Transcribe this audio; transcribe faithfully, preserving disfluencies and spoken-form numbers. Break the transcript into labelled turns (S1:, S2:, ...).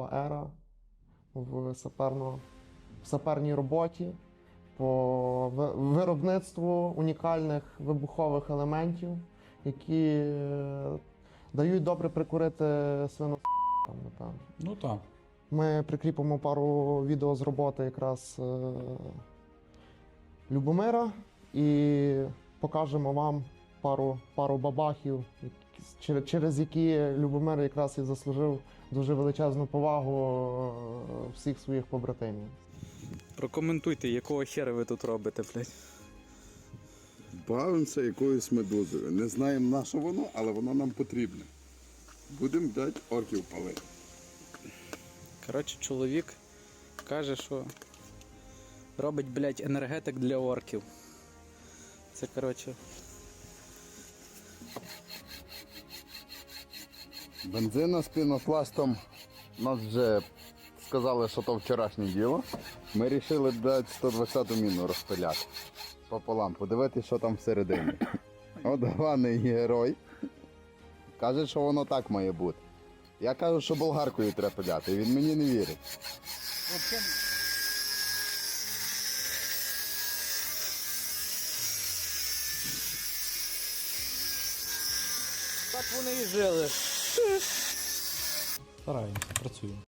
S1: нова ера в саперно, в саперній роботі по ви- виробництву унікальних вибухових елементів, які е, дають добре прикурити свину, напевно.
S2: Ну так.
S1: Ми прикріпимо пару відео з роботи якраз е, Любомира і покажемо вам пару, пару бабахів, які- через, через які Любомир якраз і заслужив дуже величезну повагу е, всіх своїх побратимів.
S2: Прокоментуйте, якого хера ви тут робите, блядь.
S3: Бавимося якоюсь медузою. Не знаємо на що воно, але воно нам потрібне. Будемо, блядь, орків палити.
S2: Коротше, чоловік каже, що робить, блядь, енергетик для орків. Це, коротше,
S3: Бензина з пінопластом. Нас вже сказали, що то вчорашнє діло. Ми вирішили, блядь, сто двадцяту міну розпиляти. Пополам, подивитися, що там всередині. От главний герой. Каже, що воно так має бути. Я кажу, що болгаркою треба пиляти, і він мені не вірить.
S2: так вони і жили.
S4: Стараємося, працюємо.